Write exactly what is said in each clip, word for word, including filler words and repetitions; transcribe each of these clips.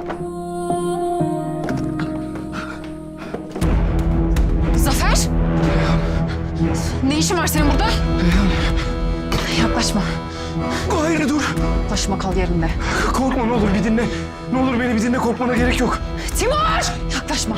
Zafer! Ne işin var senin burada? Yaklaşma. Hayır dur. Yaklaşma, kal yerinde. Korkma ne olur bir dinle. Ne olur beni bir dinle, korkmana gerek yok. Timur! Yaklaşma.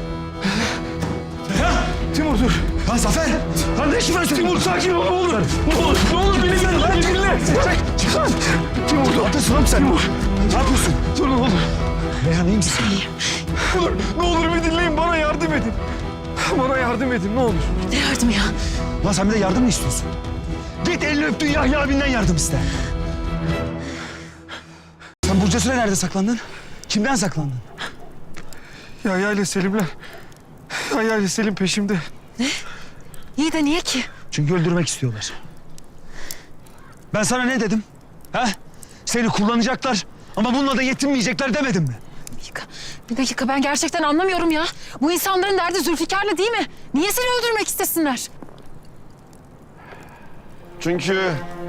Ya Timur dur. Lan Zafer! Lan ne işin var? Timur sakin ol ne olur. Ne olur, ne olur beni dinle. Lan dinle. Çıkar. Timur dur. Ateşin oğlum sen. Timur. Ne yapıyorsun? Dur ne olur. Reyhan iyi misin? Ne olur, ne olur bir dinleyin, bana yardım edin. Bana yardım edin ne olur. Ne yardımı ya? Lan sen bir de yardım mı istiyorsun? Git elini öptüğün Yahya abinden yardım iste. Sen Burcu Süre nerede saklandın? Kimden saklandın? Yahya ile Selimler. Yahya ile Selim peşimde. İyi de niye ki? Çünkü öldürmek istiyorlar. Ben sana ne dedim? Ha? Seni kullanacaklar ama bununla da yetinmeyecekler demedim mi? Bir dakika, bir dakika ben gerçekten anlamıyorum ya. Bu insanların derdi Zülfikar'la değil mi? Niye seni öldürmek istesinler? Çünkü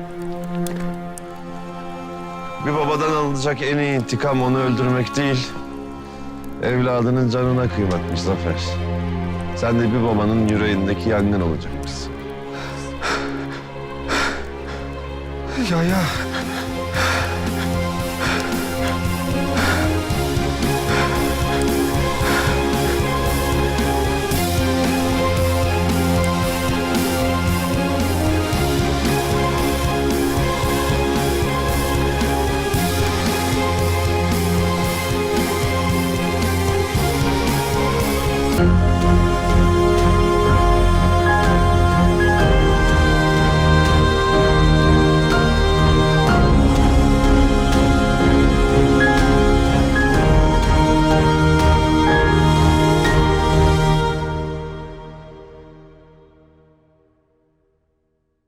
bir babadan alınacak en iyi intikam onu öldürmek değil, evladının canına kıymakmış Zafer. Sen de bir babanın yüreğindeki yangın olacakmışsın. Yahya.